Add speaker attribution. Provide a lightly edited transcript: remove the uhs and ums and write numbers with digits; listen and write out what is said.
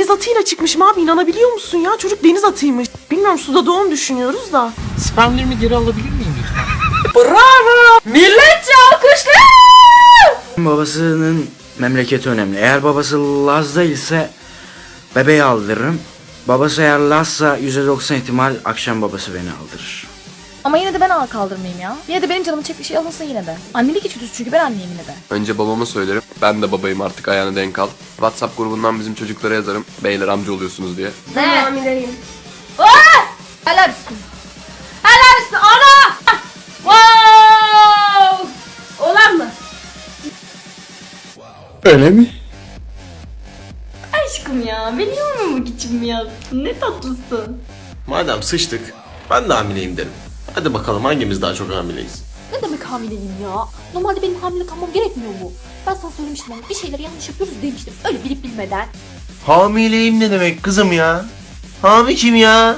Speaker 1: deniz atıyla çıkmışım abi, inanabiliyor musun ya? Çocuk deniz atıymış. Bilmiyorum, suda doğum düşünüyoruz da.
Speaker 2: Spermlerimi geri alabilir miyim lütfen?
Speaker 1: Bravo! Milletçe alkışlar!
Speaker 3: Babasının memleketi önemli. Eğer babası Laz'da ise bebeği aldırırım. Babası eğer Laz'sa %90 ihtimal akşam babası beni aldırır.
Speaker 4: Ama yine de ben kaldırmayayım ya. Yine de benim canımı çektiği şey alınsın yine de. Annelik içgüdüsü çünkü ben anneyim yine de.
Speaker 5: Önce babama söylerim. Ben de babayım artık, ayağına denk al. WhatsApp grubundan bizim çocuklara yazarım. Beyler amca oluyorsunuz diye.
Speaker 4: Hamileyim. Helal olsun. Helal olsun ana! Wow! Olan mı?
Speaker 3: Öyle mi?
Speaker 4: Aşkım ya, beni yormamak için mi yaptın? Ne tatlısın.
Speaker 6: Madem sıçtık, ben de hamileyim derim. Hadi bakalım hangimiz daha çok hamileyiz?
Speaker 7: Ne demek hamileyim ya? Normalde benim hamile kalmam gerekmiyor mu? Ben sana söylemiştim ama bir şeyleri yanlış yapıyoruz demiştim. Öyle bilip bilmeden.
Speaker 6: Hamileyim ne demek kızım ya? Hami kim ya?